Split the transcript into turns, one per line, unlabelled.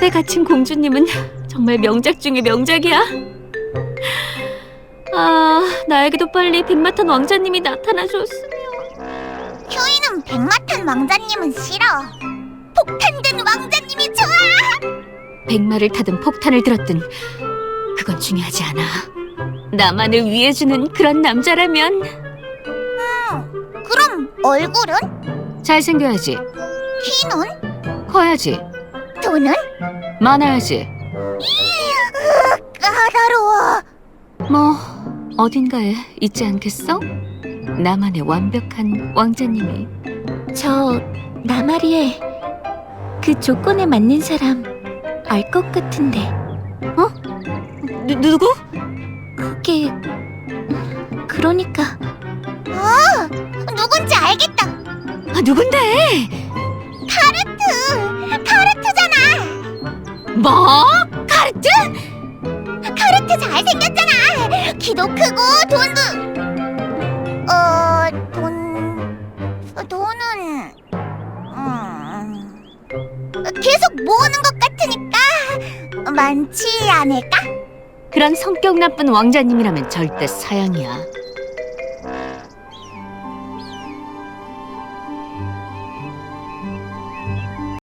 탑에 갇힌 공주님은 정말 명작 중의 명작이야. 아, 나에게도 빨리 백마탄 왕자님이 나타나줬으면.
휴이는 백마탄 왕자님은 싫어. 폭탄 든 왕자님이 좋아.
백마를 타든 폭탄을 들었든 그건 중요하지 않아. 나만을 위해주는 그런 남자라면.
그럼 얼굴은?
잘생겨야지.
키는?
커야지.
돈은?
많아야지.
까다로워.
뭐 어딘가에 있지 않겠어? 나만의 완벽한 왕자님이.
나 말이에 그 조건에 맞는 사람 알 것 같은데.
누구?
그게 그러니까
누군지 알겠다.
아, 누군데?
카르트잖아.
뭐? 카르트?
카르트 잘생겼잖아. 키도 크고 돈은 계속 모으는 것 같으니까 많지 않을까?
그런 성격 나쁜 왕자님이라면 절대 사양이야.